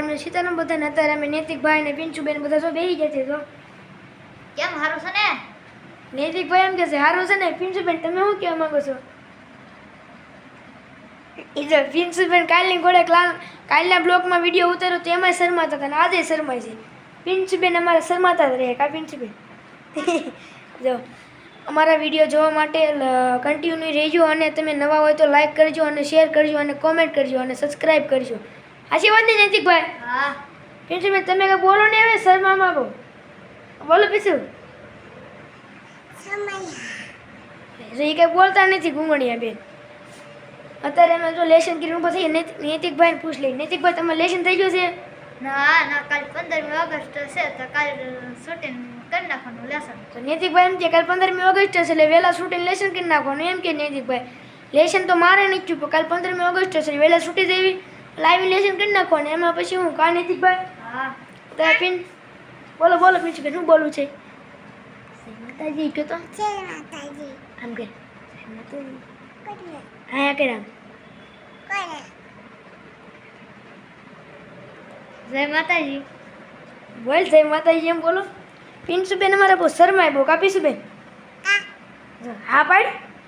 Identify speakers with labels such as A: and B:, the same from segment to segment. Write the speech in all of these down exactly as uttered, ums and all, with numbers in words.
A: ને સીતારામ બધાને. અત્યારે અમે નૈતિકભાઈ ને પિંચુબેન બધા જો બેસી ગયા છે. જો
B: કેમ હારું છે ને?
A: નૈતિકભાઈ એમ કે છે હારું છે ને. પિંચુબેન તમે શું કહેવા માંગો છો? એ જો પિંચુબેન કાલની ઘોડે કાલના બ્લોગમાં વિડીયો ઉતાર્યો તો એમાંય શરમાતા હતા અને આજે શરમાય છે. પિંચુબેન અમારે શરમાતા જ રહે કા પિંચુબેન? જો અમારા વિડીયો જોવા માટે કન્ટિન્યુ રહેજો અને તમે નવા હોય તો લાઈક કરજો અને શેર કરજો અને કોમેન્ટ કરજો અને સબસ્ક્રાઈબ કરજો. સાચી વાત નહીં નૈતિકભાઈ?
B: હા.
A: પિંચુબેન તમે કંઈ બોલો ને હવે શરમા માંગો બોલો પીછું. એ કંઈ બોલતા નથી ઘૂંગણિયા બેન. અત્યારે અમે જો લેશન કરીને ઊભા થઈએ. નૈતિકભાઈને પૂછ લઈએ. નૈતિકભાઈ તમારે લેશન થઈ ગયું છે?
B: ના ના કાલ પંદરમી ઓગસ્ટ છે તો કાલ શૂટિંગ કરી નાખવાનું લેસન.
A: તો નૈતિકભાઈ એમ કે કાલ પંદરમી ઓગસ્ટ છે એટલે વહેલા શૂટિંગ લેશન કરી નાખવાનું એમ કે નૈતિકભાઈ. લેશન તો મારે નથી ચૂપ કાલ પંદરમી ઓગસ્ટ છે વહેલા છૂટી દેવી લાઈવ લેશન કરી નાખવાનું. એમાં પછી હું કા નૈતિકભાઈ?
B: હા.
A: તો પિન બોલો બોલો પિંચુબેન શું બોલવું છે? માતાજી કે તો આમ કે હા કે રામ
B: જય માતાજી.
A: બોલ જય માતાજી એમ બોલો. પિંચુબેન અમારે બહુ શરમાય બહુ કાપીશુંબેન. હા પાડ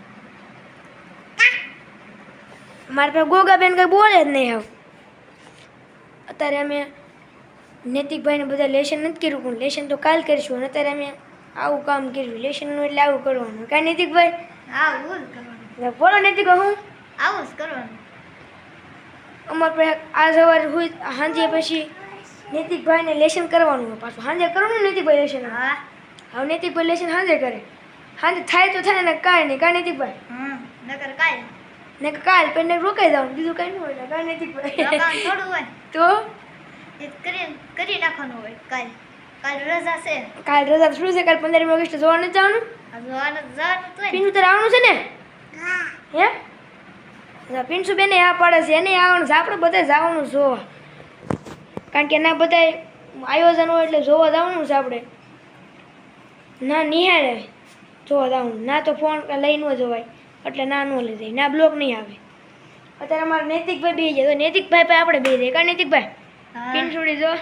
A: મારે પાસે ગોગાબેન કંઈ બોલે જ નહીં આવ. અત્યારે અમે નૈતિકભાઈને બધા લેશન નથી કર્યું પણ લેશન તો કાલ કરીશું. અને અત્યારે અમે આવું કામ કર્યું લેશનનું એટલે આવું કરવાનું કાંઈ નૈતિકભાઈ?
B: આવું જ કરવાનું.
A: બોલો નૈતિક હું
B: આવું જ કરવાનું.
A: અમારે પાસે આ સવારે હોય સાંજે પછી નૈતિકભાઈને લેશન કરવાનું હોય પાછું સાંજે કરવાનું નૈતિકભાઈ લેશન.
B: હા.
A: હવે નૈતિકભાઈ લેશન સાંજે કરે. સાંજે થાય તો થાય ને કાંઈ નહીં કાંઈ નૈતિકભાઈ?
B: હમ નકર કાલ
A: ને કાલ પેને રોકાઈ જવાનું બીજું કાંઈ ન હોય ને કાંઈ નૈતિકભાઈ?
B: થોડું હોય
A: તો
B: એ કરી કરી નાખવાનું હોય. કાલ કાલ રજા છે.
A: કાલ રજા શું છે? કાલ પંદરમી ઓગસ્ટ જોવા નથી જવાનું?
B: જવાનું જવાનું તો
A: પિન્સુ તારે આવવાનું છે ને? હે પિન્સુ બેને આ પાડે છે એને આવવાનું છે. આપણે બધા જવાનું જોવા કારણ કે ના બધા આયોજન હોય એટલે જોવા જવાનું છે આપણે. ના નિહાળે જોવા જવાનું ના તો ફોન લઈ ન જવાય એટલે ના ન લઈ જાય ના બ્લોક નહીં આવે. અત્યારે અમારે નૈતિકભાઈ બે જાય તો નૈતિકભાઈ પાસે આપણે બે જાય કા નૈતિકભાઈ? પિન્સુડી જો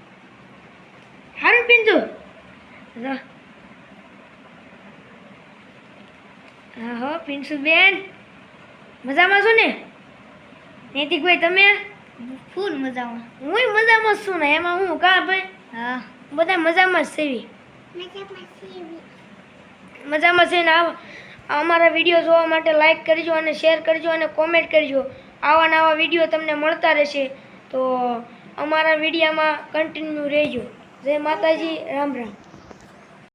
A: સારું પિન્સુ જો હા હો પિન્સુ બેન મજામાં છો ને? નૈતિકભાઈ તમે?
B: ફૂલ મજામાં.
A: હું મજામાં છું ને એમાં હું કા ભાઈ?
B: હા
A: બધા મજામાં જ સેવી મજામાં છે ને. અમારા વિડીયો જોવા માટે લાઈક કરજો અને શેર કરજો અને કોમેન્ટ કરજો. આવા નવા વિડીયો તમને મળતા રહેશે તો અમારા વિડીયોમાં કન્ટિન્યુ રહેજો. જય માતાજી રામ રામ.